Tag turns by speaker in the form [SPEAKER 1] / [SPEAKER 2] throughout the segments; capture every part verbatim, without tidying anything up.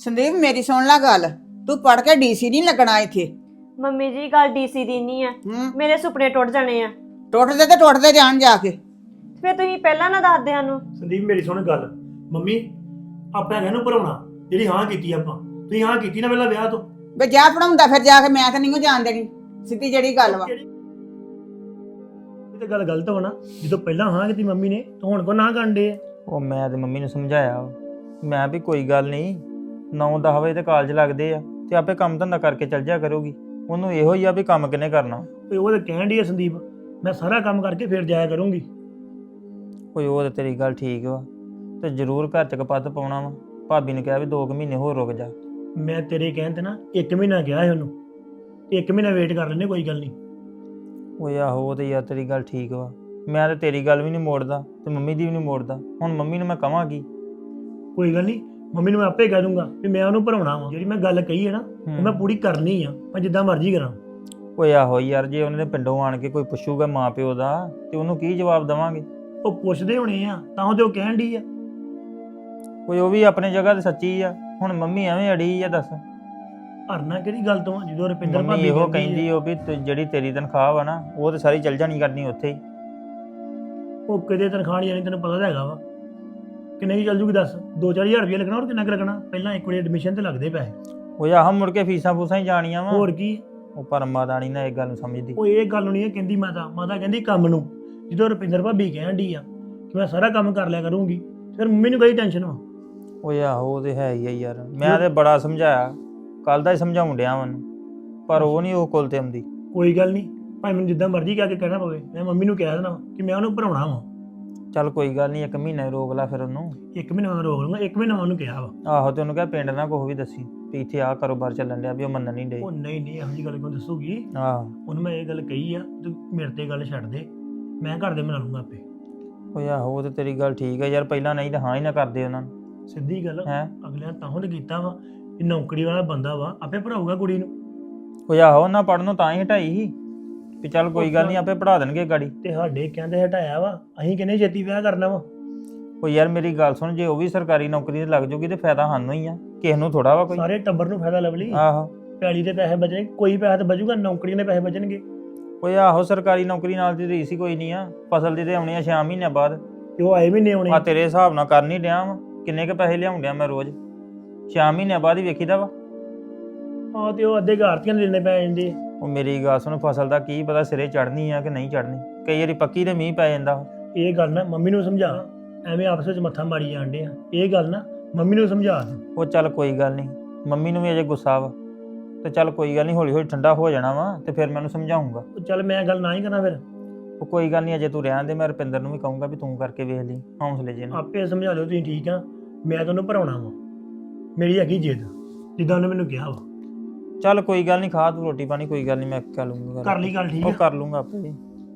[SPEAKER 1] ਸੰਦੀਪ ਮੇਰੀ ਸੁਣ ਲੈ ਗੱਲ, ਤੂੰ ਪੜ ਕੇ ਡੀਸੀ ਨਹੀਂ ਲੱਗਣਾ ਇੱਥੇ।
[SPEAKER 2] ਮੰਮੀ ਜੀ ਗੱਲ ਡੀਸੀ ਦੀ ਨਹੀਂ ਆ,
[SPEAKER 1] ਹੂੰ
[SPEAKER 2] ਮੇਰੇ ਸੁਪਨੇ ਟੁੱਟ ਜਾਣੇ ਆ।
[SPEAKER 1] ਟੁੱਟਦੇ ਤੇ ਟੁੱਟਦੇ ਜਾਣ ਜਾ ਕੇ।
[SPEAKER 2] ਫਿਰ ਤੁਸੀਂ ਪਹਿਲਾਂ ਨਾ ਦੱਸਦੇ ਸਾਨੂੰ।
[SPEAKER 3] ਸੰਦੀਪ ਮੇਰੀ ਸੁਣ ਗੱਲ, ਮੰਮੀ ਆਪਾਂ ਹੈਗਾ ਨੂੰ ਭਰਾਉਣਾ, ਜਿਹੜੀ ਹਾਂ ਕੀਤੀ ਆਪਾਂ, ਤੁਸੀਂ ਹਾਂ ਕੀਤੀ ਨਾ ਪਹਿਲਾਂ ਵਿਆਹ ਤੋਂ।
[SPEAKER 1] ਵੇ ਜਾ ਪੜਾਉਂਦਾ ਫਿਰ ਜਾ ਕੇ, ਮੈਂ ਤਾਂ ਨਹੀਂ ਜਾਣ ਦੇਣੀ, ਸਿੱਧੀ ਜਿਹੜੀ ਗੱਲ ਵਾ।
[SPEAKER 3] ਇਹ ਤਾਂ ਗੱਲ ਗਲਤ ਹੋਣਾ, ਜਦੋਂ ਪਹਿਲਾਂ ਹਾਂ ਕੀਤੀ ਮੰਮੀ ਨੇ ਤਾਂ ਹੁਣ ਕੋ ਨਾ ਕਰਨ ਦੇ।
[SPEAKER 4] ਉਹ ਮੈਂ ਤੇ ਮੰਮੀ ਨੂੰ ਸਮਝਾਇਆ ਵਾ। ਮੈਂ ਵੀ ਕੋਈ ਗੱਲ ਨਹੀਂ, ਨੌ ਦਸ ਵਜੇ ਤੇ ਕਾਲਜ ਲੱਗਦੇ ਆ ਤੇ ਆਪੇ ਕੰਮ ਧੰਦਾ ਕਰਕੇ ਚੱਲ ਜਾ ਕਰੂਗੀ। ਉਹਨੂੰ ਇਹੋ ਹੀ ਆ ਵੀ ਕੰਮ ਕਿੰਨੇ ਕਰਨਾ।
[SPEAKER 3] ਓਏ ਉਹ ਤਾਂ ਕਹਿਣ ਡਈ ਆ ਸੰਦੀਪ, ਮੈਂ ਸਾਰਾ ਕੰਮ ਕਰਕੇ ਫਿਰ ਜਾਇਆ ਕਰੂੰਗੀ।
[SPEAKER 4] ਕੋਈ ਉਹ ਤੇ ਤੇਰੀ ਗੱਲ ਠੀਕ ਵਾ, ਤੇ ਜ਼ਰੂਰ ਘਰ ਚ ਕਪੱਤ ਪਾਉਣਾ ਵਾ। ਭਾਬੀ ਨੇ ਕਿਹਾ ਵੀ ਦੋ ਕੁ ਮਹੀਨੇ ਹੋਰ ਰੁਕ ਜਾ।
[SPEAKER 3] ਮੈਂ ਤੇਰੇ ਕਹਿਣ ਤੇ ਨਾ ਇੱਕ ਮਹੀਨਾ ਕਿਹਾ ਸੀ ਉਹਨੂੰ, ਇੱਕ ਮਹੀਨਾ ਵੇਟ ਕਰ ਲੈਂਦੇ, ਕੋਈ ਗੱਲ ਨਹੀਂ।
[SPEAKER 4] ਓਏ ਆਹੋ ਉਹ ਤੇ ਯਾਰ ਤੇਰੀ ਗੱਲ ਠੀਕ ਵਾ। ਮੈਂ ਤੇ ਤੇਰੀ ਗੱਲ ਵੀ ਨਹੀਂ ਮੋੜਦਾ ਤੇ ਮੰਮੀ ਦੀ ਵੀ ਨਹੀਂ ਮੋੜਦਾ। ਹੁਣ ਮੰਮੀ ਨੂੰ ਮੈਂ ਕਹਾਂ ਕੀ?
[SPEAKER 3] ਕੋਈ ਗੱਲ ਨਹੀਂ, ਮੰਮੀ ਨੂੰ ਮੈਂ ਆਪੇ ਕਹਿ ਦੂੰਗਾ ਵੀ ਮੈਂ ਉਹਨੂੰ ਭਰਾਉਣਾ ਵਾ। ਜਿਹੜੀ ਮੈਂ ਗੱਲ ਕਹੀ ਹੈ ਨਾ ਉਹ ਮੈਂ ਪੂਰੀ ਕਰਨੀ ਆ, ਮੈਂ ਜਿੱਦਾਂ ਮਰਜ਼ੀ ਕਰਾਂ।
[SPEAKER 4] ਓਏ ਆਹੋ ਯਾਰ, ਜੇ ਉਹਨੇ ਪਿੰਡੋਂ ਆਣ ਕੇ ਕੋਈ ਪੁੱਛੂਗਾ ਮਾਂ ਪਿਓ ਦਾ ਤੇ ਉਹਨੂੰ ਕੀ ਜਵਾਬ ਦੇਵਾਂਗੇ?
[SPEAKER 3] ਉਹ ਪੁੱਛਦੇ ਹੋਣੇ ਆ ਤਾਂ ਉਹ ਤੇ ਉਹ ਕਹਿਣ ਡਈ ਆ।
[SPEAKER 4] ਕੋਈ ਉਹ ਵੀ ਆਪਣੀ ਜਗ੍ਹਾ ਤੇ ਸੱਚੀ ਆ। ਹੁਣ ਮੰਮੀ ਐਵੇਂ ਅੜੀ ਆ, ਦੱਸ
[SPEAKER 3] ਹਰਨਾ ਕਿਹੜੀ ਗੱਲ ਤੋਂ ਆ? ਜਦੋਂ ਰੁਪਿੰਦਰ
[SPEAKER 4] ਮੰਮੀ
[SPEAKER 3] ਭਾਬੀ
[SPEAKER 4] ਇਹੋ
[SPEAKER 3] ਕਹਿੰਦੀ
[SPEAKER 4] ਕਹਿੰਦੀ ਉਹ ਵੀ ਤੂੰ ਜਿਹੜੀ ਤੇਰੀ ਤਨਖਾਹ ਵਾ ਨਾ ਉਹ ਤੇ ਸਾਰੀ ਚੱਲ ਜਾਣੀ ਕਰਨੀ ਉੱਥੇ ਹੀ।
[SPEAKER 3] ਉਹ ਕਿਤੇ ਤਨਖਾਹ ਨਹੀਂ ਜਾਣੀ, ਤੈਨੂੰ ਪਤਾ ਤਾਂ ਹੈਗਾ ਵਾ ਕਿੰਨੇ ਦੀ ਚੱਲ ਜੂਗੀ ਦੱਸ। ਦੋ ਚਾਰ ਹਜ਼ਾਰ ਰੁਪਇਆ ਲੱਗਣਾ, ਹੋਰ ਕਿੰਨਾ ਕੁ ਲੱਗਣਾ? ਪਹਿਲਾਂ ਇੱਕ ਵਾਰੀ ਐਡਮਿਸ਼ਨ ਤੇ ਲੱਗਦੇ ਪੈਸੇ,
[SPEAKER 4] ਉਹ ਆਹ ਮੁੜ ਕੇ ਫੀਸਾਂ ਫੂਸਾਂ ਹੀ ਜਾਣੀਆਂ ਵਾ।
[SPEAKER 3] ਹੋਰ ਕੀ।
[SPEAKER 4] ਉਹ ਪਰ ਮਾਤਾ ਨੀ ਨਾ ਇਹ ਗੱਲ ਨੂੰ ਸਮਝਦੀ।
[SPEAKER 3] ਉਹ ਇਹ ਗੱਲ ਨਹੀਂ ਕਹਿੰਦੀ ਮਾਤਾ, ਮਾਤਾ ਕਹਿੰਦੀ ਕੰਮ ਨੂੰ। ਜਦੋਂ ਰੁਪਿੰਦਰ ਭਾਬੀ ਕਹਿਣ ਡਈ ਆ ਕਿ ਮੈਂ ਸਾਰਾ ਕੰਮ ਕਰ ਲਿਆ ਕਰੂੰਗੀ, ਫਿਰ ਮੰਮੀ ਨੂੰ ਕਈ ਟੈਨਸ਼ਨ ਵਾ।
[SPEAKER 4] ਉਹ ਆਹੋ ਉਹ ਤੇ ਹੈ ਹੀ ਆ ਯਾਰ। ਮੈਂ ਤੇ ਬੜਾ ਸਮਝਾਇਆ, ਕੱਲ ਦਾ ਹੀ ਸਮਝਾਉਣ ਡਿਆ ਮੈਨੂੰ, ਪਰ ਉਹ ਨਹੀਂ ਉਹ ਕੋਲ ਤੇ ਆਉਂਦੀ।
[SPEAKER 3] ਕੋਈ ਗੱਲ ਨਹੀਂ, ਭਾਵੇਂ ਮੈਨੂੰ ਜਿੱਦਾਂ ਮਰਜ਼ੀ ਕਹਿ ਕੇ ਕਹਿਣਾ ਪਵੇ, ਮੈਂ ਮੰਮੀ ਨੂੰ ਕਹਿ ਦੇਣਾ ਵਾ ਕਿ ਮੈਂ ਉਹਨੂੰ ਭਰਾਉਣਾ ਵਾ।
[SPEAKER 4] ਚੱਲ ਕੋਈ ਗੱਲ ਨਹੀਂ, ਇੱਕ ਮਹੀਨਾ ਰੋਕ ਲਾ ਫਿਰ ਉਹਨੂੰ।
[SPEAKER 3] ਇੱਕ ਮਹੀਨਾ ਮੈਂ ਰੋਕ ਲੂੰਗਾ, ਇੱਕ ਮਹੀਨਾ ਮੈਂ ਉਹਨੂੰ ਕਿਹਾ ਵਾ।
[SPEAKER 4] ਆਹੋ ਤੇ ਉਹਨੂੰ ਕਹਿ ਪਿੰਡ ਨਾ ਕੁਛ ਵੀ ਦੱਸੀ ਵੀ ਇੱਥੇ ਆਹ ਕਾਰੋਬਾਰ ਚੱਲਣ ਡਿਆ, ਵੀ ਉਹ ਮੰਨਣ ਨਹੀਂ ਡੇ।
[SPEAKER 3] ਉਹ ਨਹੀਂ ਨਹੀਂ, ਇਹੋ ਜਿਹੀ ਗੱਲ ਕਿਉਂ ਦੱਸੂਗੀ?
[SPEAKER 4] ਆਹੋ
[SPEAKER 3] ਉਹਨੂੰ ਮੈਂ ਇਹ ਗੱਲ ਕਹੀ ਆ, ਤੂੰ ਮੇਰੇ ਤੇ ਗੱਲ ਛੱਡ ਦੇ, ਮੈਂ ਘਰ ਦੇ ਮਨਾ ਲੂੰਗਾ ਆਪੇ।
[SPEAKER 4] ਉਹ ਆਹੋ ਉਹ ਤੇ ਤੇਰੀ ਗੱਲ ਠੀਕ ਆ ਯਾਰ, ਪਹਿਲਾਂ ਨਹੀਂ ਤਾਂ ਹਾਂ ਹੀ ਨਾ ਕਰਦੇ ਉਹਨਾਂ ਨੂੰ।
[SPEAKER 3] ਸਿੱਧੀ ਗੱਲ
[SPEAKER 4] ਹੈ
[SPEAKER 3] ਅਗਲਿਆਂ ਤਾਂ ਉਹ ਕੀਤਾ ਵਾ ਕਿ ਨੌਕਰੀ ਵਾਲਾ ਬੰਦਾ ਵਾ, ਆਪੇ ਭਰਾਊਗਾ ਕੁੜੀ ਨੂੰ।
[SPEAKER 4] ਉਹ ਆਹੋ ਉਹਨਾਂ ਪੜ੍ਹਨ ਨੂੰ ਤਾਂ ਹੀ ਹਟਾਈ ਸੀ ਵੀ ਚੱਲ ਕੋਈ ਗੱਲ ਨਹੀਂ ਆਪੇ ਪੜ੍ਹਾ ਦੇਣਗੇ ਗਾੜੀ।
[SPEAKER 3] ਤੇ ਸਾਡੇ ਕਹਿੰਦੇ ਹਟਾਇਆ ਵਾ, ਅਸੀਂ ਕਹਿੰਦੇ ਛੇਤੀ ਵਿਆਹ ਕਰਨਾ ਵਾ।
[SPEAKER 4] ਉਹ ਯਾਰ ਮੇਰੀ ਗੱਲ ਸੁਣ, ਜੇ ਉਹ ਵੀ ਸਰਕਾਰੀ ਨੌਕਰੀ ਤੇ ਲੱਗ ਜੂਗੀ ਤੇ ਫਾਇਦਾ ਸਾਨੂੰ ਹੀ ਆ, ਕਿਸੇ ਨੂੰ ਥੋੜਾ ਵਾ ਕੋਈ।
[SPEAKER 3] ਸਾਰੇ ਟੱਬਰ ਨੂੰ ਫਾਇਦਾ ਲਵਲੀ।
[SPEAKER 4] ਆਹੋ
[SPEAKER 3] ਪੈਲੀ ਦੇ ਪੈਸੇ ਬਚਣੇ, ਕੋਈ ਪੈਸਾ ਤਾਂ ਬਚੂਗਾ, ਨੌਕਰੀਆਂ ਦੇ ਪੈਸੇ ਬਚਣਗੇ।
[SPEAKER 4] ਓਏ ਆਹੋ ਸਰਕਾਰੀ ਨੌਕਰੀ ਨਾਲ ਦੀ ਰੀਸ ਹੀ ਕੋਈ ਨਹੀਂ ਆ। ਫਸਲ ਦੀ ਤੇ ਆਉਣੀ ਆ ਛੇ ਮਹੀਨਿਆਂ ਬਾਅਦ।
[SPEAKER 3] ਤੇ ਉਹ ਆਏ ਮਹੀਨੇ ਆਉਣੇ।
[SPEAKER 4] ਆ ਤੇਰੇ ਹਿਸਾਬ ਨਾਲ ਕਰ ਨਹੀਂ ਡਿਆ ਵਾ, ਕਿੰਨੇ ਕ ਪੈਸੇ ਲਿਆਉਣ ਡਿਆ ਮੈਂ ਰੋਜ਼? ਛੇ ਮਹੀਨਿਆਂ ਬਾਅਦ ਹੀ ਵੇਖੀਦਾ ਵਾ।
[SPEAKER 3] ਆਹ ਤੇ ਉਹ ਅੱਧੇ ਘਾਰਤੀਆਂ ਨੂੰ ਦੇਣੇ ਪੈ ਜਾਂਦੇ ਆ।
[SPEAKER 4] ਉਹ ਮੇਰੀ ਗੱਲ ਸੁਣ, ਫਸਲ ਦਾ ਕੀ ਪਤਾ ਸਿਰੇ ਚੜ੍ਹਨੀ ਆ ਕਿ ਨਹੀਂ ਚੜ੍ਹਨੀ। ਕਈ ਵਾਰੀ ਪੱਕੀ ਤੇ ਮੀਂਹ ਪੈ ਜਾਂਦਾ।
[SPEAKER 3] ਇਹ ਗੱਲ ਨਾ ਮੰਮੀ ਨੂੰ ਸਮਝਾ, ਐਵੇਂ ਆਪਸ ਵਿੱਚ ਮੱਥਾ ਮਾਰੀ ਜਾਂਦੇ ਆ। ਇਹ ਗੱਲ ਨਾ ਮੰਮੀ ਨੂੰ ਸਮਝਾ।
[SPEAKER 4] ਉਹ ਚੱਲ ਕੋਈ ਗੱਲ ਨਹੀਂ, ਮੰਮੀ ਨੂੰ ਵੀ ਅਜੇ ਗੁੱਸਾ ਵਾ ਤੇ ਚੱਲ ਕੋਈ ਗੱਲ ਨਹੀਂ, ਹੌਲੀ ਹੌਲੀ ਠੰਡਾ ਹੋ ਜਾਣਾ ਵਾ ਤੇ ਫਿਰ ਮੈਂ ਉਹਨੂੰ ਸਮਝਾਉਂਗਾ।
[SPEAKER 3] ਉਹ ਚੱਲ ਮੈਂ ਗੱਲ ਨਾ ਹੀ ਕਰਾਂ ਫਿਰ।
[SPEAKER 4] ਉਹ ਕੋਈ ਗੱਲ ਨਹੀਂ, ਅਜੇ ਤੂੰ ਰਹਿਣ ਦੇ। ਮੈਂ ਰੁਪਿੰਦਰ ਨੂੰ ਵੀ ਕਹੂੰਗਾ ਵੀ ਤੂੰ ਕਰਕੇ ਵੇਖ ਲਈ, ਹੌਸਲੇ ਜੇ ਨਾਲ।
[SPEAKER 3] ਆਪੇ ਸਮਝਾ ਲਿਓ ਤੁਸੀਂ, ਠੀਕ ਆ? ਮੈਂ ਤੁਹਾਨੂੰ ਭਰਾਉਣਾ ਵਾ, ਮੇਰੀ ਹੈਗੀ ਜਿੱਦ, ਜਿੱਦਾਂ ਉਹਨੇ ਮੈਨੂੰ ਕਿਹਾ ਵਾ।
[SPEAKER 4] ਚੱਲ ਕੋਈ ਗੱਲ ਨਹੀਂ, ਖਾ ਤੂੰ ਰੋਟੀ ਪਾਣੀ, ਕੋਈ ਗੱਲ ਨਹੀਂ ਮੈਂ ਕਰ ਲੂੰਗਾ।
[SPEAKER 3] ਕਰ ਲਈ ਗੱਲ, ਠੀਕ
[SPEAKER 4] ਉਹ
[SPEAKER 3] ਆ?
[SPEAKER 4] ਕਰ ਲੂੰਗਾ ਆਪੇ।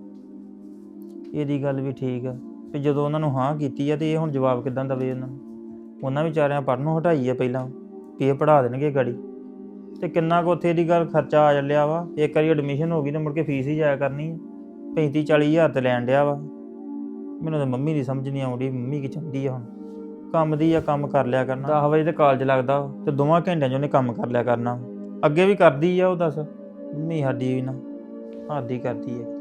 [SPEAKER 4] ਇਹਦੀ ਗੱਲ ਵੀ ਠੀਕ ਆ ਵੀ ਜਦੋਂ ਉਹਨਾਂ ਨੂੰ ਹਾਂ ਕੀਤੀ ਆ ਤੇ ਇਹ ਹੁਣ ਜਵਾਬ ਕਿੱਦਾਂ ਦਵੇ ਉਹਨਾਂ ਨੂੰ? ਉਹਨਾਂ ਵਿਚਾਰਿਆਂ ਪੜ੍ਹਨੋਂ ਹਟਾਈ ਆ ਪਹਿਲਾਂ ਵੀ ਇਹ ਪੜ੍ਹਾ ਦੇਣਗੇ ਗਾੜੀ, ਤੇ ਕਿੰਨਾ ਕੁ ਉੱਥੇ ਦੀ ਗੱਲ ਖਰਚਾ ਆ ਚੱਲਿਆ ਵਾ। ਇੱਕ ਵਾਰੀ ਐਡਮਿਸ਼ਨ ਹੋ ਗਈ ਤੇ ਮੁੜ ਕੇ ਫੀਸ ਹੀ ਜਾਇਆ ਕਰਨੀ ਆ। ਪੈਂਤੀ ਚਾਲੀ ਹਜ਼ਾਰ ਤੇ ਲੈਣ ਡਿਆ ਵਾ। ਮੈਨੂੰ ਤਾਂ ਮੰਮੀ ਦੀ ਸਮਝ ਨਹੀਂ ਆਉਂਦੀ, ਮੰਮੀ ਕੀ ਚਾਹੁੰਦੀ ਆ ਹੁਣ? ਕੰਮ ਦੀ ਆ, ਕੰਮ ਕਰ ਲਿਆ ਕਰਨਾ। ਦਸ ਵਜੇ ਤੇ ਕਾਲਜ ਲੱਗਦਾ ਤੇ ਦੋਵਾਂ ਘੰਟਿਆਂ 'ਚ ਉਹਨੇ ਕੰਮ ਕਰ ਲਿਆ ਕਰਨਾ। ਅੱਗੇ ਵੀ ਕਰਦੀ ਆ ਉਹ, ਦੱਸ ਮੰਮੀ ਸਾਡੀ ਵੀ ਨਾ ਆਦੀ ਕਰਦੀ ਆ।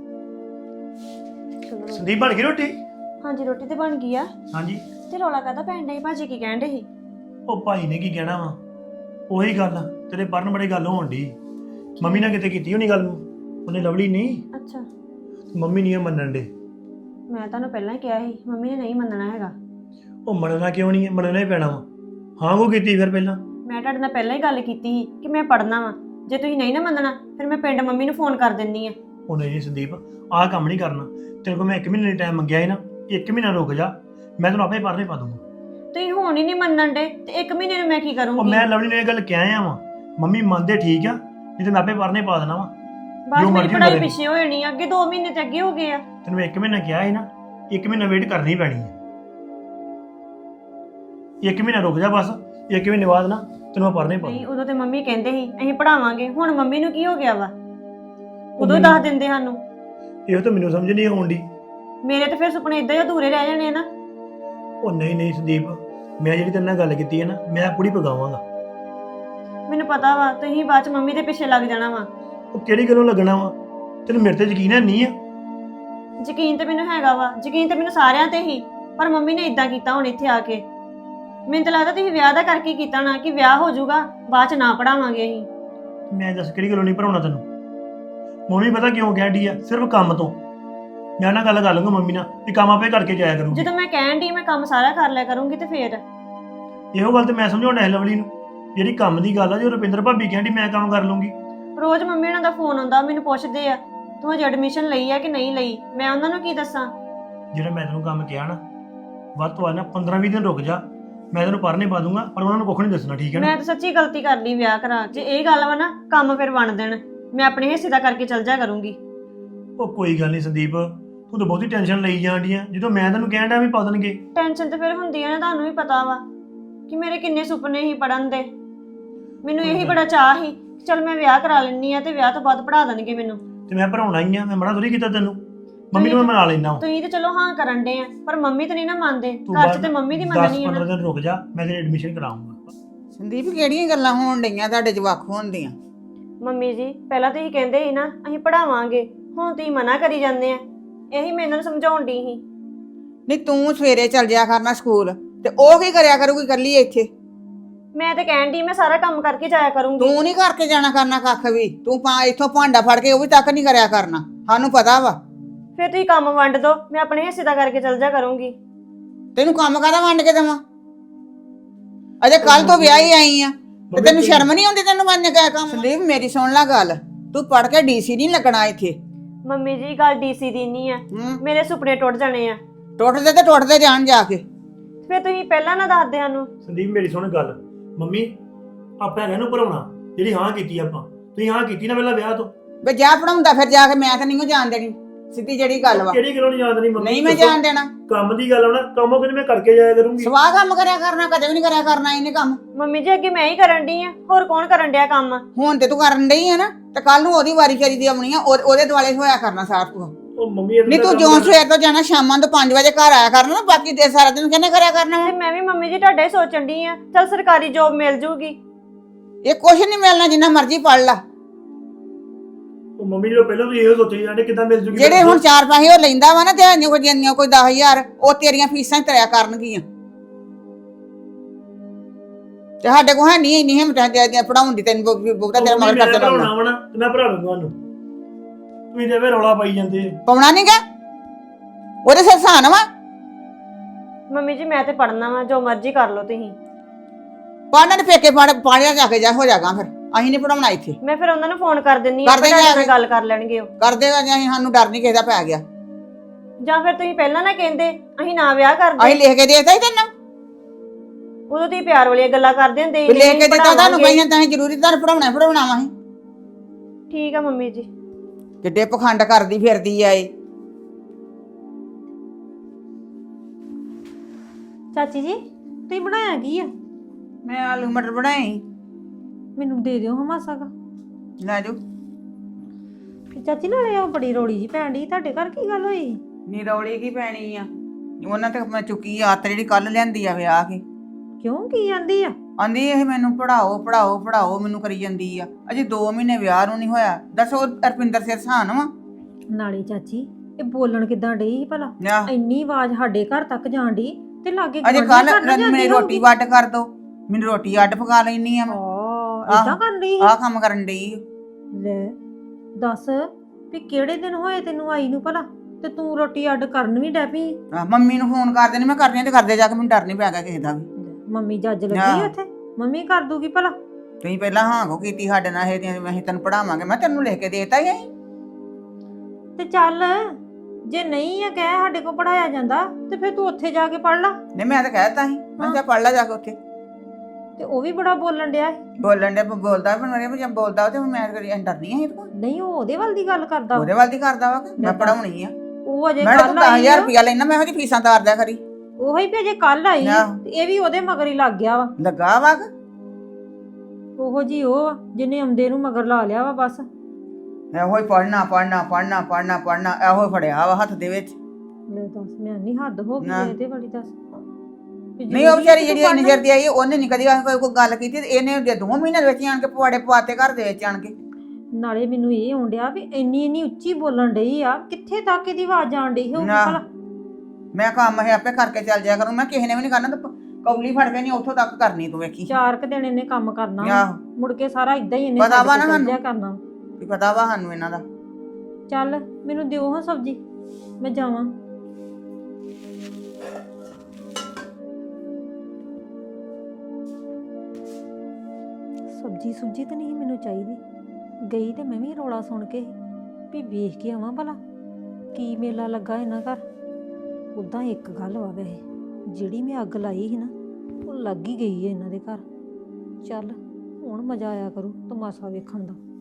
[SPEAKER 3] ਸੰਦੀਪ ਬਣ ਗਈ ਰੋਟੀ?
[SPEAKER 2] ਹਾਂਜੀ ਰੋਟੀ ਤੇ ਬਣ ਗਈ ਆ।
[SPEAKER 3] ਹਾਂਜੀ।
[SPEAKER 2] ਤੇ ਰੌਲਾ ਕਾਹਦਾ ਪੈਣ ਡਿਆ? ਭਾਜੀ ਕੀ ਕਹਿਣ ਡੇ ਸੀ?
[SPEAKER 3] ਉਹ ਭਾਈ ਨੇ ਕੀ ਕਹਿਣਾ ਵਾ, ਉਹੀ ਗੱਲ ਤੇਰੇ ਪਰਨ ਬੜੇ ਗੱਲ ਹੋਣ ਦੀ। ਮੰਮੀ ਨਾਲ ਕਿਤੇ ਕੀਤੀ ਹੋਣੀ ਗੱਲ, ਉਹਨੇ ਲਵਲੀ ਨਹੀਂ।
[SPEAKER 2] ਅੱਛਾ।
[SPEAKER 3] ਮੰਮੀ ਨਹੀਂ ਮੰਨਣ ਦੇ।
[SPEAKER 2] ਮੈਂ ਤੁਹਾਨੂੰ ਪਹਿਲਾਂ ਹੀ ਕਿਹਾ ਸੀ ਮੰਮੀ ਨੇ ਨਹੀਂ ਮੰਨਣਾ ਹੈਗਾ।
[SPEAKER 3] ਉਹ ਮੰਨਣਾ ਕਿਉਂ ਨਹੀਂ? ਮੰਨਣਾ ਹੀ ਪੈਣਾ ਵਾ। ਹਾਂ ਉਹ ਕੀਤੀ ਫਿਰ ਪਹਿਲਾਂ।
[SPEAKER 2] ਮੈਂ ਤੁਹਾਡੇ ਨਾਲ ਪਹਿਲਾਂ ਹੀ ਗੱਲ ਕੀਤੀ ਸੀ ਕਿ ਮੈਂ ਪੜ੍ਹਨਾ ਵਾ, ਜੇ ਤੁਸੀਂ ਨਹੀਂ ਨਾ ਮੰਨਣਾ ਫਿਰ ਮੈਂ ਪਿੰਡ ਮੰਮੀ ਨੂੰ ਫੋਨ ਕਰ ਦਿੰਦੀ ਆ।
[SPEAKER 3] ਉਹ ਨਹੀਂ ਸੰਦੀਪ, ਆਹ ਕੰਮ ਨਹੀਂ ਕਰਨਾ। ਤੇਰੇ ਕੋਲ ਮੈਂ ਇੱਕ ਮਹੀਨੇ ਦਾ ਟਾਈਮ ਮੰਗਿਆ ਸੀ ਨਾ, ਇੱਕ ਮਹੀਨਾ ਰੁਕ ਜਾ, ਮੈਂ ਤੈਨੂੰ ਆਪੇ ਪਰਨੇ ਪਾ ਦੂੰਗਾ।
[SPEAKER 2] ਤੁਸੀਂ ਹੁਣ ਹੀ ਨਹੀਂ ਮੰਨਣ ਦੇ ਤੇ ਇੱਕ ਮਹੀਨੇ ਨੂੰ ਮੈਂ ਕੀ
[SPEAKER 3] ਉਹ
[SPEAKER 2] ਕਰੂੰਗੀ?
[SPEAKER 3] ਮੈਂ ਲਵਲੀ ਨੇ ਇਹ ਗੱਲ ਕਹਿ ਆਇਆ ਵਾਂ, ਮੰਮੀ ਮੰਨਦੇ ਠੀਕ ਆ, ਨਹੀਂ ਤੇ ਮੈਂ ਆਪੇ ਪਰਨੇ ਪਾ ਦੇਣਾ ਵਾ।
[SPEAKER 2] ਬਸ
[SPEAKER 3] ਜੋ
[SPEAKER 2] ਮੇਰੀ
[SPEAKER 3] ਮਰਜ਼ੀ
[SPEAKER 2] ਪੜ੍ਹਾਈ
[SPEAKER 3] ਹੋਵੇ।
[SPEAKER 2] ਪਿੱਛੇ ਹੋ ਜਾਣੀ ਆ, ਅੱਗੇ ਦੋ ਮਹੀਨੇ ਤੇ ਅੱਗੇ ਹੋ ਗਏ ਆ।
[SPEAKER 3] ਤੈਨੂੰ ਮੈਂ ਇੱਕ ਮਹੀਨਾ ਕਿਹਾ ਸੀ ਨਾ, ਇੱਕ ਮਹੀਨਾ ਵੇਟ ਕਰਨੀ ਪੈਣੀ ਹੈ। ਇੱਕ ਮਹੀਨਾ ਰੁਕ ਜਾ ਬਸ, ਇੱਕ ਮਹੀਨੇ ਬਾਅਦ ਨਾ ਤੈਨੂੰ ਮੈਂ ਪਰਨੇ ਪਾ
[SPEAKER 2] ਨਹੀਂ
[SPEAKER 3] ਦੂੰ।
[SPEAKER 2] ਉਦੋਂ ਤੇ ਮੰਮੀ ਕਹਿੰਦੇ ਸੀ ਅਸੀਂ ਪੜਾਵਾਂਗੇ, ਹੁਣ ਮੰਮੀ ਨੂੰ ਕੀ ਹੋ ਗਿਆ ਵਾ? ਉਦੋਂ ਦੱਸ ਦਿੰਦੇ ਸਾਨੂੰ।
[SPEAKER 3] ਇਹ ਤਾਂ ਮੈਨੂੰ ਸਮਝ ਨਹੀਂ ਆਉਂਦੀ।
[SPEAKER 2] ਮੇਰੇ ਤੇ ਫਿਰ ਸੁਪਨੇ ਇਦਾਂ ਹੀ ਅਧੂਰੇ ਰਹਿ ਜਾਣੇ ਆ ਨਾ।
[SPEAKER 3] ਉਹ ਨਹੀਂ ਨਹੀਂ ਸੰਦੀਪ, ਮੈਂ ਜਿਹੜੀ ਤੇਰੇ ਨਾਲ ਗੱਲ ਕੀਤੀ ਹੈ ਨਾ, ਮੈਂ ਕੁੜੀ ਪਗਾਵਾਂਗਾ।
[SPEAKER 2] ਮੈਨੂੰ ਪਤਾ ਵਾ ਤੁਸੀਂ ਬਾਅਦ ਚ ਮੰਮੀ ਦੇ ਪਿੱਛੇ ਲੱਗ ਜਾਣਾ ਵਾ।
[SPEAKER 3] ਉਹ ਕਿਹੜੀ ਗੱਲੋਂ ਲੱਗਣਾ ਵਾ? ਤੈਨੂੰ ਮੇਰੇ ਤੇ ਯਕੀਨ ਹੈ ਨਹੀਂ ਆ?
[SPEAKER 2] ਯਕੀਨ ਤੇ ਮੈਨੂੰ ਹੈਗਾ ਵਾ, ਯਕੀਨ ਤੇ ਮੈਨੂੰ ਸਾਰਿਆਂ ਤੇ ਹੀ, ਪਰ ਮੰਮੀ ਨੇ ਇਦਾਂ ਕੀਤਾ ਹੁਣ ਇੱਥੇ ਆ ਕੇ। ਮੈਨੂੰ ਤਾਂ ਲੱਗਦਾ ਤੁਸੀਂ ਵਿਆਹ ਦਾ ਕਰਕੇ ਹੀ ਕੀਤਾ ਨਾ, ਕਿ ਵਿਆਹ ਹੋ ਜਾਊਗਾ ਬਾਅਦ ਚ ਨਾ ਪੜਾਵਾਂਗੇ ਅਸੀਂ।
[SPEAKER 3] ਮੈਂ ਦੱਸ ਕਿਹੜੀ ਗੱਲੋਂ ਨਹੀਂ ਭਰਾਉਣਾ ਤੈਨੂੰ? ਮੰਮੀ ਪਤਾ ਕਿਉਂ ਕਹਿ ਆ? ਸਿਰਫ ਕੰਮ ਤੋਂ। ਮੈਂ ਨਾਲ ਗੱਲ ਕਰ ਲੂੰਗਾ ਮੰਮੀ ਨਾਲ ਵੀ ਕੰਮ ਆਪੇ ਕਰਕੇ ਜਾਇਆ ਕਰੂੰਗੀ।
[SPEAKER 2] ਜਦੋਂ ਮੈਂ ਕਹਿਣ ਦੀ ਮੈਂ ਕੰਮ ਸਾਰਾ ਕਰ ਲਿਆ ਕਰੂੰਗੀ ਤੇ ਫੇਰ
[SPEAKER 3] ਇਹੋ ਗੱਲ ਤੇ ਮੈਂ ਸਮਝਾਉਣਾ ਹੈ ਲਵਲੀ ਨੂੰ, ਜਿਹੜੀ ਕੰਮ ਦੀ ਗੱਲ ਆ, ਜੋ ਰੁਪਿੰਦਰ ਭਾਬੀ ਕਹਿੰਦੀ ਮੈਂ ਕੰਮ ਕਰ ਲੂੰਗੀ।
[SPEAKER 2] ਰੋਜ਼ ਮੰਮੀ ਉਹਨਾਂ ਦਾ ਫੋਨ ਆਉਂਦਾ, ਮੈਨੂੰ ਪੁੱਛਦੇ ਆ ਤੂੰ ਹਜੇ ਐਡਮਿਸ਼ਨ ਲਈ ਆ ਕਿ ਨਹੀਂ ਲਈ। ਮੈਂ ਉਹਨਾਂ ਨੂੰ ਕੀ ਦੱਸਾਂ?
[SPEAKER 3] ਜਿਹੜਾ ਮੈਂ ਤੈਨੂੰ ਕੰਮ ਕਿਹਾ ਨਾ, ਵੱਧ ਤੋਂ ਵੱਧ ਨਾ ਪੰਦਰਾਂ ਵੀਹ ਦਿਨ ਰੁਕ ਜਾ, ਮੈਂ ਤੈਨੂੰ ਪੜ੍ਹਨੇ ਪਾ ਦੂੰਗਾ, ਪਰ ਉਹਨਾਂ ਨੂੰ ਕੁੱਖ ਨਹੀਂ ਦੱਸਣਾ, ਠੀਕ ਹੈ ਨਾ?
[SPEAKER 2] ਮੈਂ ਤਾਂ ਸੱਚੀ ਗਲਤੀ ਕਰ ਲਈ ਵਿਆਹ ਕਰਾ। ਜੇ ਇਹ ਗੱਲ ਵਾ ਨਾ, ਕੰਮ ਫਿਰ ਵੰਡ ਦੇਣ, ਮੈਂ ਆਪਣੇ ਹਿੱਸੇ ਦਾ ਕਰਕੇ ਚੱਲ ਜਾ ਕਰੂੰਗੀ।
[SPEAKER 3] ਉਹ ਕੋਈ ਗੱਲ ਨਹੀਂ ਸੰਦੀਪ, ਤੂੰ ਤਾਂ ਬਹੁਤੀ ਟੈਨਸ਼ਨ ਲਈ ਜਾਂਦੀ ਆ। ਜਦੋਂ ਮੈਂ ਤੈਨੂੰ ਕਹਿਣ ਡਿਆ ਵੀ ਪਾ ਦੇਣਗੇ।
[SPEAKER 2] ਟੈਨਸ਼ਨ ਤੇ ਫਿਰ ਹੁੰਦੀ ਆ ਨਾ, ਤੁਹਾਨੂੰ ਵੀ ਪਤਾ ਵਾ ਕਿ ਮੇਰੇ ਕਿੰਨੇ ਸੁਪਨੇ ਸੀ ਪੜਨ ਦੇ। ਮੈਨੂੰ ਇਹੀ ਬੜਾ ਚਾਹ ਸੀ ਕਿ ਚਲ ਮੈਂ ਵਿਆਹ ਕਰਾ ਲੈਣੀ ਆ ਤੇ ਵਿਆਹ ਤੋਂ ਬਾਅਦ ਪੜਾ ਦੇਣਗੇ ਮੈਨੂੰ।
[SPEAKER 3] ਤੇ ਮੈਂ ਪੜਾਉਣਾ ਹੀ ਆ, ਮੈਂ ਮਨਾ ਥੋੜੀ ਕੀਤਾ ਤੈਨੂੰ। ਮੰਮੀ ਨੂੰ ਮੈਂ ਮਨਾ ਲੈਣਾ।
[SPEAKER 2] ਤੁਸੀਂ ਤੇ ਚਲੋ ਹਾਂ ਕਰਨ ਦੇ ਆ, ਪਰ ਮੰਮੀ ਤੇ ਨਹੀਂ ਨਾ ਮੰਨਦੇ।
[SPEAKER 3] ਤੂੰ
[SPEAKER 2] ਘਰ 'ਚ ਤੇ ਮੰਮੀ ਦੀ ਮੰਨਣੀ ਆ
[SPEAKER 3] ਦਸ
[SPEAKER 2] ਨਾ।
[SPEAKER 3] ਪੰਦਰਾਂ ਦਿਨ ਰੁਕ ਜਾ, ਮੈਂ ਤੇਰੀ ਐਡਮਿਸ਼ਨ ਕਰਾਉਂਗਾ।
[SPEAKER 1] ਸੰਦੀਪ ਕਿਹੜੀਆਂ ਗੱਲਾਂ ਹੋਣ ਡਈਆਂ ਤੁਹਾਡੇ ਜਵਾਕ ਹੋਣ ਦੀਆਂ?
[SPEAKER 2] ਮੰਮੀ ਜੀ ਪਹਿਲਾਂ ਤੁਸੀਂ ਕਹਿੰਦੇ ਸੀ ਨਾ ਅਸੀਂ ਪੜਾਵਾਂਗੇ, ਹੁਣ ਤੁਸੀਂ ਮਨਾ ਕਰੀ ਜਾਂਦੇ ਆ। ਇਹੀ ਮੈਂ ਇਹਨਾਂ ਨੂੰ ਸਮਝਾਉਣ ਦੀ ਸੀ।
[SPEAKER 1] ਨਹੀਂ ਤੂੰ ਸਵੇਰੇ ਚੱਲ ਜਾਇਆ ਕਰਨਾ ਸਕੂਲ, ਤੇ ਉਹ ਕੀ ਕਰਿਆ ਕਰੂਗੀ ਇਕੱਲੀ ਇੱਥੇ?
[SPEAKER 2] ਮੈਂ ਤੇ ਕਹਿਣ ਦੀ ਮੈਂ ਸਾਰਾ ਕੰਮ ਕਰਕੇ ਜਾਇਆ ਕਰੂੰਗੀ।
[SPEAKER 1] ਤੂੰ ਨਹੀਂ ਕਰਕੇ ਜਾਣਾ ਕਰਨਾ ਕੱਖ ਵੀ। ਤੂੰ ਪਾ ਇੱਥੋਂ ਭਾਂਡਾ ਫੜ ਕੇ ਉਹ ਵੀ ਤੱਕ ਨਹੀਂ ਕਰਿਆ ਕਰਨਾ, ਸਾਨੂੰ ਪਤਾ ਵਾ।
[SPEAKER 2] ਫਿਰ ਤੁਸੀਂ ਕੰਮ ਵੰਡ ਦਿਓ, ਮੈਂ ਆਪਣੇ ਹਿੱਸੇ ਦਾ ਕਰਕੇ ਚੱਲ ਜਾ ਕਰੂੰਗੀ।
[SPEAKER 1] ਤੈਨੂੰ ਕੰਮ ਕਾਹਦਾ ਵੰਡ ਕੇ ਦੇਵਾਂ? ਅਜੇ ਕੱਲ ਤੋਂ ਵਿਆਹ ਹੀ ਆਈ ਆ ਤੇ ਤੈਨੂੰ ਸ਼ਰਮ ਨਹੀਂ ਆਉਂਦੀ? ਤੈਨੂੰ ਮੰਨ ਕੇ ਕੰਮ। ਸੰਦੀਪ ਮੇਰੀ ਸੁਣ ਲੈ ਗੱਲ, ਤੂੰ ਪੜ ਕੇ ਡੀਸੀ ਨਹੀਂ ਲੱਗਣਾ ਇੱਥੇ।
[SPEAKER 2] ਮੰਮੀ ਜੀ ਗੱਲ ਡੀਸੀ ਦੀ ਨਹੀਂ ਆ, ਮੇਰੇ ਸੁਪਨੇ ਟੁੱਟ ਜਾਣੇ ਆ।
[SPEAKER 1] ਟੁੱਟਦੇ ਤੇ ਟੁੱਟਦੇ ਜਾਣ ਜਾ ਕੇ।
[SPEAKER 2] ਫਿਰ ਤੁਸੀਂ ਪਹਿਲਾਂ ਨਾ ਦੱਸਦੇ ਸਾਨੂੰ।
[SPEAKER 3] ਸੰਦੀਪ ਮੇਰੀ ਸੁਣ ਗੱਲ, ਮੰਮੀ ਆਪਾਂ ਹੈਗਾ ਨੂੰ ਪੜਾਉਣਾ, ਜਿਹੜੀ ਹਾਂ ਕੀਤੀ ਆਪਾਂ। ਤੁਸੀਂ ਹਾਂ ਕੀਤੀ ਨਾ ਪਹਿਲਾਂ ਵਿਆਹ ਤੋਂ।
[SPEAKER 1] ਵੇ ਜਾ ਪੜਾਉਂਦਾ ਫਿਰ ਜਾ ਕੇ, ਮੈਂ ਤਾਂ ਨਹੀਂ ਜਾਣ ਦੇਣੀ। ਸਿੱਧੀ ਜਿਹੜੀ ਗੱਲ ਵਾ।
[SPEAKER 3] ਕਿਹੜੀ ਗੱਲੋਂ ਨਹੀਂ ਯਾਦ ਨਹੀਂ ਮੰਮੀ?
[SPEAKER 1] ਨਹੀਂ ਮੈਂ ਜਾਣ ਦੇਣਾ।
[SPEAKER 3] ਕੰਮ ਦੀ ਗੱਲ ਆ ਨਾ, ਕੰਮ ਉਹ ਕਹਿੰਦੇ ਮੈਂ ਕਰਕੇ ਜਾਇਆ ਕਰੂੰਗੀ।
[SPEAKER 1] ਸਵਾਹ ਕੰਮ ਕਰਿਆ ਕਰਨਾ, ਕਦੇ ਵੀ ਨਹੀਂ ਕਰਿਆ ਕਰਨਾ ਇਹਨੇ ਕੰਮ।
[SPEAKER 2] ਮੰਮੀ ਜੀ ਅੱਗੇ ਮੈਂ ਹੀ ਕਰਨ ਡਈ ਆ, ਹੋਰ ਕੌਣ ਕਰਨ ਡਿਆ ਕੰਮ?
[SPEAKER 1] ਹੁਣ ਤੇ ਤੂੰ ਕਰਨ ਡਈ ਆ ਨਾ, ਤੇ ਕੱਲ ਨੂੰ ਉਹਦੀ ਵਾਰੀ ਚਰੀ ਦੀ ਆਉਣੀ ਆ, ਉਹ- ਉਹਦੇ ਦੁਆਲੇ ਹੋਇਆ ਕਰਨਾ ਸਾਰਾ ਕੁਝ।
[SPEAKER 3] ਉਹ ਮੰਮੀ
[SPEAKER 1] ਨਹੀਂ ਤੂੰ ਜਿਉਂ ਸਵੇਰ ਤੋਂ ਜਾਣਾ ਸ਼ਾਮਾਂ ਤੋਂ ਪੰਜ ਵਜੇ ਘਰ ਆਇਆ ਕਰਨਾ, ਬਾਕੀ ਦੇ ਸਾਰਾ ਦਿਨ ਕਿਹਨੇ ਕਰਿਆ ਕਰਨਾ ਵਾ?
[SPEAKER 2] ਤੇ ਮੈਂ ਵੀ ਮੰਮੀ ਜੀ ਤੁਹਾਡੇ ਸੋਚਣ ਡਈ ਆ, ਚਲ ਸਰਕਾਰੀ ਜੋਬ ਮਿਲ ਜੂਗੀ।
[SPEAKER 1] ਇਹ ਕੁਛ ਨਹੀਂ ਮਿਲਣਾ, ਜਿੰਨਾ ਮਰਜ਼ੀ ਪੜ ਲਾ।
[SPEAKER 3] ਉਹ ਮੰਮੀ ਜਦੋਂ ਪਹਿਲਾਂ ਤੁਸੀਂ ਇਹੋ ਸੋਚੀ ਜਾਂਦੇ ਕਿੱਦਾਂ ਮਿਲ ਜੂਗੀ?
[SPEAKER 1] ਜਿਹੜੇ ਹੁਣ ਚਾਰ ਪੈਸੇ ਉਹ ਲੈਂਦਾ ਵਾ ਨਾ ਦਿਹਾੜੀਆਂ ਕੋਈ ਜਾਂਦੀਆਂ, ਕੋਈ ਦਸ ਹਜ਼ਾਰ, ਉਹ ਤੇਰੀਆਂ ਫੀਸਾਂ ਹੀ ਤਰਿਆ ਕਰਨਗੀਆਂ। ਤੇ ਸਾਡੇ ਕੋਲ ਹੈ ਨਹੀਂ ਇੰਨੀ ਹਿੰਮਤ ਹੈ ਪੜਾਉਣ ਦੀ। ਤੈਨੂੰ ਬਹੁਤਾ ਤੇਰਾ ਮਗਰ ਖਰਚਾ ਲਾਉਣਾ
[SPEAKER 3] ਵਾ ਨਾ, ਤੇ ਮੈਂ ਭਰਾ ਲੂੰਗਾ ਉਹਨੂੰ। ਤੁਸੀਂ ਜਿਵੇਂ ਰੌਲਾ ਪਾਈ ਜਾਂਦੇ
[SPEAKER 1] ਪਾਉਣਾ ਨੀ ਗਾ, ਉਹਦੇ ਸਿਰ ਸਾਨ ਵਾ।
[SPEAKER 2] ਮੰਮੀ ਜੀ ਮੈਂ ਤੇ ਪੜਨਾ ਵਾ, ਜੋ ਮਰਜ਼ੀ ਕਰ ਲਓ ਤੁਸੀਂ।
[SPEAKER 1] ਪਾਣਾ ਤੇ ਫੇਕੇ ਪਾੜ ਪਾੜਿਆ ਜਾ ਕੇ ਜਾ ਹੋ ਜਾਗਾ, ਫਿਰ ਅਸੀਂ ਨਹੀਂ ਪੜਾਉਣਾ ਇੱਥੇ।
[SPEAKER 2] ਮੈਂ ਫਿਰ ਉਹਨਾਂ ਨੂੰ ਫੋਨ ਕਰ ਦਿੰਨੀ ਆ,
[SPEAKER 1] ਕਰ ਦੇ
[SPEAKER 2] ਤੁਹਾਡੇ
[SPEAKER 1] ਜਾ
[SPEAKER 2] ਨਾਲ
[SPEAKER 1] ਕੇ।
[SPEAKER 2] ਗੱਲ ਕਰ ਲੈਣਗੇ ਉਹ।
[SPEAKER 1] ਕਰ ਦੇਗਾ ਜਾਂ ਸਾਨੂੰ ਡਰ ਨਹੀਂ ਕਿਸੇ ਦਾ ਪੈ ਗਿਆ।
[SPEAKER 2] ਜਾਂ ਫਿਰ ਤੁਸੀਂ ਪਹਿਲਾਂ ਨਾ ਕਹਿੰਦੇ ਅਸੀਂ ਨਾ ਵਿਆਹ
[SPEAKER 1] ਅਸੀਂ
[SPEAKER 2] ਕਰਦੇ,
[SPEAKER 1] ਲਿਖ ਕੇ ਦੇਤਾ ਹੀ ਤੈਨੂੰ।
[SPEAKER 2] ਉਦੋਂ ਤੁਸੀਂ ਪਿਆਰ ਵਾਲੀਆਂ ਗੱਲਾਂ ਕਰਦੇ ਹੁੰਦੇ
[SPEAKER 1] ਵੀ ਲਿਖ ਕੇ ਦਿੱਤਾ ਤੁਹਾਨੂੰ, ਪਈਆਂ ਤਾਂ ਜ਼ਰੂਰੀ ਤੁਹਾਨੂੰ ਪੜਾਉਣਾ ਪੜਾਉਣਾ ਵਾ ਅਸੀਂ।
[SPEAKER 2] ਠੀਕ ਆ ਮੰਮੀ ਜੀ।
[SPEAKER 1] ਕਿੱਡੇ ਪਖੰਡ ਕਰਦੀ ਫਿਰਦੀ ਆ ਇਹ।
[SPEAKER 5] ਚਾਚੀ ਜੀ ਤੁਸੀਂ ਬਣਾਇਆ ਕੀ ਆ?
[SPEAKER 1] ਮੈਂ ਆਲੂ ਮਟਰ ਬਣਾਏ।
[SPEAKER 5] ਮੈਨੂੰ ਦੇ ਦਿਓ ਹਾਂ ਮਾਸਾ ਕਾ।
[SPEAKER 1] ਲੈ ਜੋ।
[SPEAKER 5] ਤੇ ਚਾਚੀ ਨਾਲੇ ਉਹ ਬੜੀ ਰੋਲੀ ਜੀ ਭੈਣ ਦੀ, ਤੁਹਾਡੇ ਘਰ ਕੀ ਗੱਲ ਹੋਈ?
[SPEAKER 1] ਨੀ ਰੌਲੀ ਕੀ ਪੈਣੀ ਆ, ਉਹਨਾਂ ਤੇ ਮੈਂ ਚੁੱਕੀ ਆਤ ਜਿਹੜੀ ਕੱਲ ਲਿਆਂਦੀ ਆ ਵਿਆਹ ਕੇ।
[SPEAKER 5] ਕਿਉਂ ਕੀ ਜਾਂਦੀ ਆ?
[SPEAKER 1] ਆਂਦੀ ਇਹ ਮੈਨੂੰ ਪੜਾਓ ਪੜਾਓ ਪੜਾਓ ਮੈਨੂੰ ਕਰੀ ਜਾਂਦੀ ਆ। ਅਜੇ ਦੋ ਮਹੀਨੇ ਵਿਆਹ ਨੂੰ ਨਹੀਂ ਹੋਇਆ। ਦੱਸੋ ਰਪਿੰਦਰ ਸਿਰ ਸਾਨ ਵਾ।
[SPEAKER 5] ਨਾਲੇ ਚਾਚੀ ਇਹ ਬੋਲਣ ਕਿਦਾਂ ਡਈ ਸੀ ਭਲਾ?
[SPEAKER 1] ਆਹ,
[SPEAKER 5] ਇੰਨੀ ਆਵਾਜ਼ ਸਾਡੇ ਘਰ ਤੱਕ ਜਾਣ ਡਈ ਤੇ ਲਾਗੇ
[SPEAKER 1] ਅਜੇ ਕੱਲ ਮੈਨੂੰ ਰੋਟੀ ਵੱਡ ਕਰ ਦੋ, ਮੈਨੂੰ ਰੋਟੀ ਅੱਡ ਪਕਾ ਲੈਣੀ ਆ। ਮੈਂ
[SPEAKER 5] ਇਦਾਂ ਕਰਨ ਡਈ
[SPEAKER 1] ਆਹ ਕੰਮ ਕਰਨ ਡਈ।
[SPEAKER 5] ਲੈ ਦੱਸ ਵੀ ਕਿਹੜੇ ਦਿਨ ਹੋਏ ਤੈਨੂੰ ਆਈ ਨੂੰ ਭਲਾ, ਤੇ ਤੂੰ ਰੋਟੀ ਅੱਡ ਕਰਨ ਵੀ ਡੈ ਪਈ?
[SPEAKER 1] ਆਹ, ਮੰਮੀ ਨੂੰ ਫੋਨ ਕਰ ਦੇਣੀ, ਮੈਂ ਕਰਨੀ ਤੇ ਕਰਦੇ ਜਾ ਕੇ, ਮੈਨੂੰ ਡਰ ਨਹੀਂ ਪਿਆ ਗਿਆ ਕਿਸੇ ਦਾ ਵੀ।
[SPEAKER 5] ਮੰਮੀ ਜੱਜ ਲੱਗੀ ਉੱਥੇ, ਮੰਮੀ ਕਰ ਦੂਗੀ ਭਲਾ?
[SPEAKER 1] ਤੁਸੀਂ ਪਹਿਲਾਂ ਹਾਂ ਕੋ ਕੀਤੀ ਸਾਡੇ ਨਾਲ, ਇਹ ਅਸੀਂ ਤੈਨੂੰ ਪੜਾਵਾਂਗੇ। ਮੈਂ ਤੈਨੂੰ ਲਿਖ ਕੇ ਦੇਤਾ ਹੀ।
[SPEAKER 5] ਤੇ ਚੱਲ ਜੇ ਨਹੀਂ ਆ ਕਹਿ ਸਾਡੇ ਕੋਲ ਪੜਾਇਆ ਜਾਂਦਾ ਤੇ ਫਿਰ ਤੂੰ ਉੱਥੇ ਜਾ ਕੇ ਪੜ ਲਾ।
[SPEAKER 1] ਨਹੀਂ ਮੈਂ ਤਾਂ ਕਹਿਤਾ ਸੀ, ਮੈਂ ਕਿਹਾ ਪੜ ਲਾ ਜਾ ਕੇ ਉੱਥੇ।
[SPEAKER 5] ਤੇ ਉਹ ਵੀ ਬੜਾ ਬੋਲਣ ਡਿਆ ਸੀ।
[SPEAKER 1] ਬੋਲਣ ਦੇ ਬੋਲਦਾ ਪਰ ਮੇਰੇ ਜਦ ਬੋਲਦਾ ਤੇ ਮੈਂ ਕਰੀ ਡਰਨੀ ਆ। ਇਹ ਤੋਂ
[SPEAKER 5] ਨਹੀਂ ਉਹ ਉਹਦੇ ਵੱਲ ਦੀ ਗੱਲ ਕਰਦਾ
[SPEAKER 1] ਉਹਦੇ ਵੱਲ ਦੀ ਕਰਦਾ ਵਾ ਕਿ ਮੈਂ ਪੜਾਉਣੀ ਆ।
[SPEAKER 5] ਉਹ ਅਜੇ
[SPEAKER 1] ਮੈਂ
[SPEAKER 5] ਕੱਲ
[SPEAKER 1] ਤਾਂ
[SPEAKER 5] ਆਈ
[SPEAKER 1] ਦਸ ਹਜ਼ਾਰ ਰੁਪਇਆ ਲੈਣਾ, ਮੈਂ ਉਹਦੀ ਫੀਸਾਂ ਤਾਰਦਿਆ ਕਰੀ।
[SPEAKER 5] ਉਹੀ ਵੀ ਅਜੇ ਕੱਲ ਆਈ
[SPEAKER 1] ਆਹੋ।
[SPEAKER 5] ਤੇ ਇਹ ਵੀ ਉਹਦੇ ਮਗਰ ਹੀ ਲੱਗ ਗਿਆ ਵਾ।
[SPEAKER 1] ਲੱਗਾ ਵਾ ਕਿ
[SPEAKER 5] ਉਹੋ ਜੀ ਉਹ ਆ ਜਿਹਨੇ ਆਉਂਦੇ ਨੂੰ ਮਗਰ ਲਾ ਲਿਆ ਵਾ ਬਸ।
[SPEAKER 1] ਇਹੋ ਹੀ ਪੜਨਾ ਪੜਨਾ ਪੜਨਾ ਪੜਨਾ ਪੜਨਾ ਇਹੋ ਹੀ ਫੜਿਆ ਵਾ ਹੱਥ ਦੇ ਵਿੱਚ।
[SPEAKER 5] ਲੈ ਦੱਸ ਮੈਂ ਨਹੀਂ ਹੱਦ ਹੋ ਗਈ
[SPEAKER 1] ਨਾ।
[SPEAKER 5] ਇਹਦੇ ਵਾਲੀ ਦੱਸ। ਵੀ
[SPEAKER 1] ਨਹੀਂ ਉਹ
[SPEAKER 5] ਜ਼ਰੂਰੀ
[SPEAKER 1] ਵਿਚਾਰੀ
[SPEAKER 5] ਕਿ ਤੂੰ
[SPEAKER 1] ਜਿਹੜੀ ਇੰਨੀ
[SPEAKER 5] ਪੜ੍ਹਨਾ।
[SPEAKER 1] ਚਿਰ ਦੀ ਆਈ ਉਹਨੇ ਨਹੀਂ ਕਦੀ ਕੋਈ ਕੋਈ ਗੱਲ ਕੀਤੀ ਤੇ ਇਹਨੇ ਜੇ ਦੋ ਮਹੀਨੇ ਦੇ ਵਿੱਚ ਹੀ ਆਣ ਕੇ ਪਵਾੜੇ ਪਵਾਤੇ ਘਰ ਦੇ ਵਿੱਚ ਆਣ ਕੇ।
[SPEAKER 5] ਨਾਲੇ ਮੈਨੂੰ ਇਹ ਹੋਣ ਡਿਆ ਵੀ ਇੰਨੀ ਇੰਨੀ ਉੱਚੀ ਬੋਲਣ ਡਈ ਆ, ਕਿੱਥੇ ਤੱਕ ਇਹਦੀ ਆਵਾਜ਼ ਜਾਣ ਡਈ ਹੋਊਗੀ
[SPEAKER 1] ਨਾ।
[SPEAKER 5] ਭਲਾ।
[SPEAKER 1] ਮੈਂ ਕੰਮ ਇਹ ਆਪੇ ਕਰਕੇ ਚੱਲ ਜਾਇਆ ਕਰੂੰ, ਮੈਂ ਕਿਸੇ ਨੇ ਵੀ ਨਹੀਂ ਕਰਨਾ, ਤੇ ਕੌਲੀ ਫੜ ਕੇ ਨਹੀਂ ਉੱਥੋਂ ਤੱਕ ਕਰਨੀ ਤੂੰ ਵੇਖੀ।
[SPEAKER 5] ਚਾਰ ਕੁ ਦਿਨ ਇਹਨੇ ਕੰਮ ਕਰਨਾ,
[SPEAKER 1] ਆਹੋ
[SPEAKER 5] ਮੁੜ ਕੇ ਸਾਰਾ ਇਦਾਂ ਹੀ ਇਹਨੇ
[SPEAKER 1] ਪਤਾ
[SPEAKER 5] ਛੱਡ
[SPEAKER 1] ਵਾ
[SPEAKER 5] ਕੇ
[SPEAKER 1] ਨਾ
[SPEAKER 5] ਚੱਲ
[SPEAKER 1] ਸਾਨੂੰ।
[SPEAKER 5] ਜਿਆ ਕਰਨਾ।
[SPEAKER 1] ਵੀ ਪਤਾ ਵਾ ਸਾਨੂੰ ਇਹਨਾਂ ਦਾ।
[SPEAKER 5] ਚੱਲ ਮੈਨੂੰ ਦਿਓ ਹਾਂ ਸਬਜ਼ੀ, ਮੈਂ ਜਾਵਾਂ। ਸਬਜ਼ੀ ਸੁਬਜੀ ਤਾਂ ਨਹੀਂ ਮੈਨੂੰ ਚਾਹੀਦੀ, ਗਈ ਤੇ ਮੈਂ ਵੀ ਰੌਲਾ ਸੁਣ ਕੇ ਵੀ ਵੇਖ ਕੇ ਆਵਾਂ ਭਲਾ ਕੀ ਮੇਲਾ ਲੱਗਾ ਇਹਨਾਂ ਘਰ। ਉੱਦਾਂ ਇੱਕ ਗੱਲ ਵਾ ਵੈਸੇ, ਜਿਹੜੀ ਮੈਂ ਅੱਗ ਲਾਈ ਸੀ ਨਾ ਉਹ ਲੱਗ ਹੀ ਗਈ ਹੈ ਇਹਨਾਂ ਦੇ ਘਰ। ਚੱਲ ਹੁਣ ਮਜ਼ਾ ਆਇਆ ਕਰੂ ਤਮਾਸ਼ਾ ਵੇਖਣ ਦਾ।